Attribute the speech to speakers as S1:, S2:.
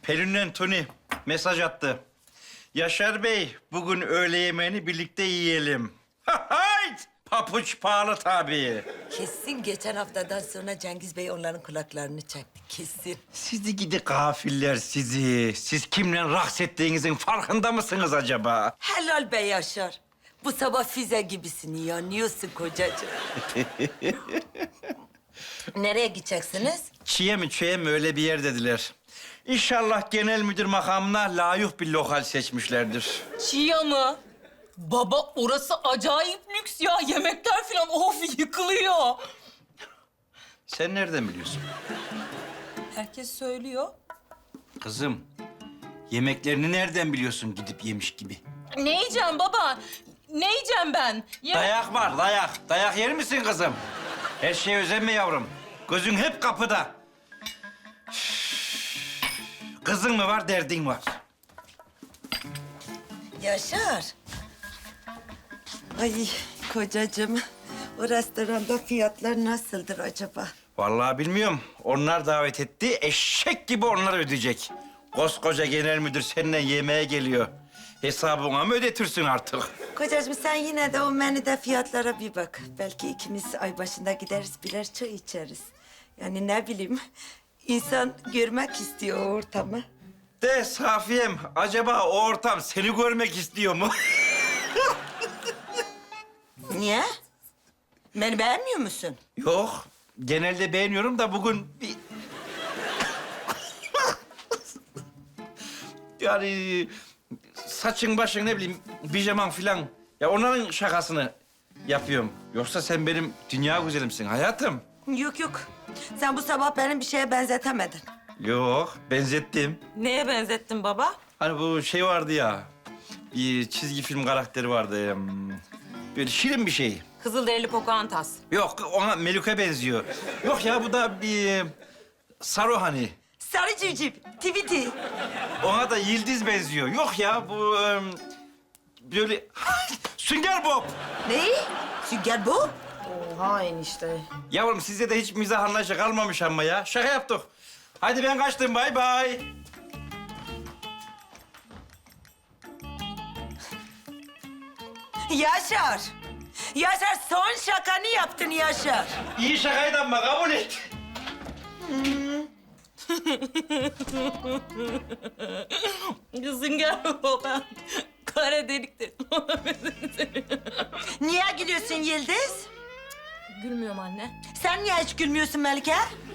S1: Pelin'le Tony mesaj attı. Yaşar Bey, bugün öğle yemeğini birlikte yiyelim. Hayt! Papuç pahalı tabii.
S2: Kesin geçen haftadan sonra Cengiz Bey onların kulaklarını çekti. Kesin.
S1: Sizi gidi gafiller sizi. Siz kimle raks ettiğinizin farkında mısınız acaba?
S2: Helal be Yaşar. Bu sabah füze gibisin, yanıyorsun kocacığım. Nereye gideceksiniz?
S1: Çiğe mi çöğe mi öyle bir yer dediler. İnşallah genel müdür makamına layık bir lokal seçmişlerdir.
S3: Çiğya mı? Baba orası acayip lüks ya. Yemekler falan of yıkılıyor.
S1: Sen nereden biliyorsun?
S3: Herkes söylüyor.
S1: Kızım, yemeklerini nereden biliyorsun gidip yemiş gibi?
S3: Ne yiyeceğim baba? Ne yiyeceğim ben?
S1: Dayak var, dayak. Dayak yer misin kızım? Her şeye özenme yavrum. Gözün hep kapıda. Kızın mı var, derdin var.
S2: Yaşar. Ay kocacığım, o restoranda fiyatlar nasıldır acaba?
S1: Vallahi bilmiyorum. Onlar davet etti, eşek gibi onlar ödeyecek. Koskoca genel müdür seninle yemeğe geliyor. Hesabına mı ödetirsin artık?
S2: Kocacığım sen yine de o menüde fiyatlara bir bak. Belki ikimiz ay başında gideriz, birer çay içeriz. Yani ne bileyim, insan görmek istiyor o ortamı.
S1: De Safiyem, acaba o ortam seni görmek istiyor mu?
S2: Niye? Beni beğenmiyor musun?
S1: Yok, genelde beğeniyorum da bugün bir... Yani saçın başın ne bileyim, pijaman filan. Ya onların şakasını yapıyorum. Yoksa sen benim dünya güzelimsin hayatım.
S2: Yok yok. Sen bu sabah beni bir şeye benzetemedin.
S1: Yok, benzettim.
S3: Neye benzettin baba?
S1: Hani bu şey vardı ya, bir çizgi film karakteri vardı. Böyle şirin bir şey.
S3: Kızılderili Pocahontas.
S1: Yok, ona Melike benziyor. Yok ya, bu da bir Saru hani.
S2: Sarı civciv, Tweety.
S1: Ona da Yıldız benziyor. Yok ya, bu böyle Sünger Bob.
S2: Ne? Sünger bu?
S3: Oha enişte.
S1: Yavrum sizde de hiç mizah anlayışı kalmamış ama ya. Şaka yaptık. Hadi ben kaçtım, bay bay.
S2: Yaşar. Yaşar son şakanı yaptın Yaşar.
S1: İyi şakaydı ama kabul et.
S3: Sünger baba. Kara deliktir.
S2: Niye gülüyorsun Yıldız?
S3: Gülmüyorum anne.
S2: Sen niye hiç gülmüyorsun Melike?